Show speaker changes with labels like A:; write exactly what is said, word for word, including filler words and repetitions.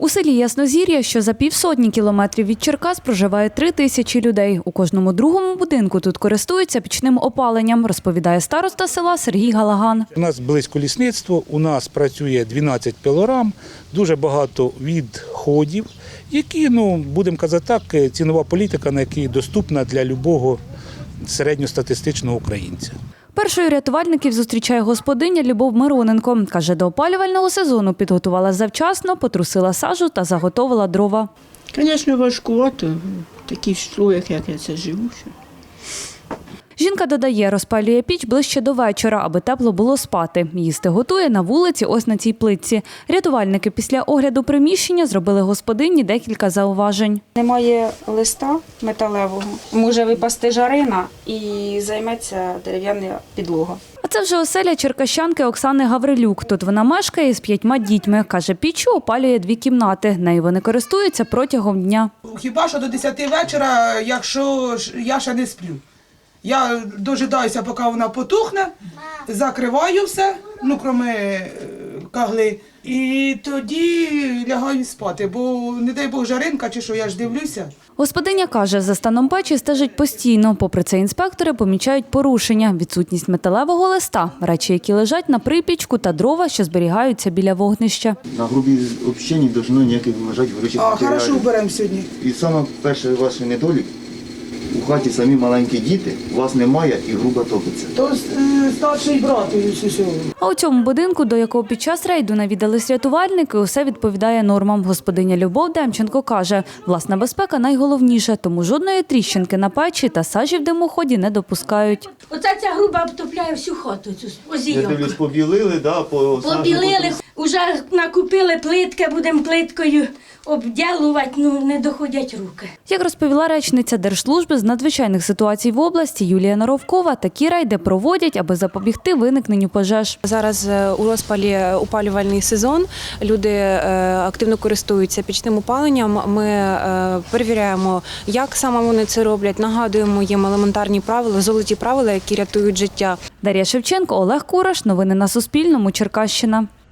A: У селі Яснозір'я, що за півсотні кілометрів від Черкас, проживає три тисячі людей. У кожному другому будинку тут користуються пічним опаленням, розповідає староста села Сергій Галаган.
B: У нас близько лісництво, у нас працює дванадцять пилорам, дуже багато відходів, які, ну, будемо казати так, цінова політика, на якій доступна для любого середньостатистичного українця.
A: Першою рятувальників зустрічає господиня Любов Мироненко. Каже, до опалювального сезону підготувала завчасно, потрусила сажу та заготовила дрова.
C: Звісно, важкувато. В таких слоях, як я це живу.
A: Жінка додає, розпалює піч ближче до вечора, аби тепло було спати. Їсти готує на вулиці ось на цій плитці. Рятувальники після огляду приміщення зробили господині декілька зауважень.
D: Немає листа металевого, може випасти жарина і займеться дерев'яна підлога.
A: А це вже оселя черкащанки Оксани Гаврилюк. Тут вона мешкає з п'ятьма дітьми. Каже, піччю опалює дві кімнати. Нею вони користуються протягом дня.
E: Хіба що до десяти вечора, якщо я ще не сплю. Я дожидаюся, поки вона потухне, закриваю все, ну, крім кагли, і тоді лягаю спати, бо, не дай Бог, жаринка чи що, я ж дивлюся.
A: Господиня каже, за станом печі стежить постійно. Попри це інспектори помічають порушення, відсутність металевого листа, речі, які лежать на припічку та дрова, що зберігаються біля вогнища.
F: На грубій взагалі не повинно ніяких лежати горючих
E: А,
F: матеріалів.
E: хорошо, беремо сьогодні.
F: І саме перший ваш недолік, у хаті самі маленькі діти, вас немає і грубо топиться.
E: То е, старший брат із усього.
A: А у цьому будинку, до якого під час рейду навідались рятувальники, усе відповідає нормам. Господиня Любов Демченко каже, власна безпека найголовніша, тому жодної тріщинки на печі та сажі в димоході не допускають.
G: Оця ця груба обтопляє всю хату, цю
F: Я
G: озійок.
F: дивлюсь, побілили, да, по
G: Побілили, вже накупили плитки, будемо плиткою обділувати, ну не доходять руки.
A: Як розповіла речниця Держслужби з надзвичайних ситуацій в області Юлія Норовкова, такі рейди проводять, аби запобігти виникненню пожеж.
H: Зараз у розпалі опалювальний сезон, люди активно користуються пічним опаленням. Ми перевіряємо, як саме вони це роблять, нагадуємо їм елементарні правила, золоті правила, які рятують життя.
A: Дар'я Шевченко, Олег Кураш. Новини на Суспільному. Черкащина.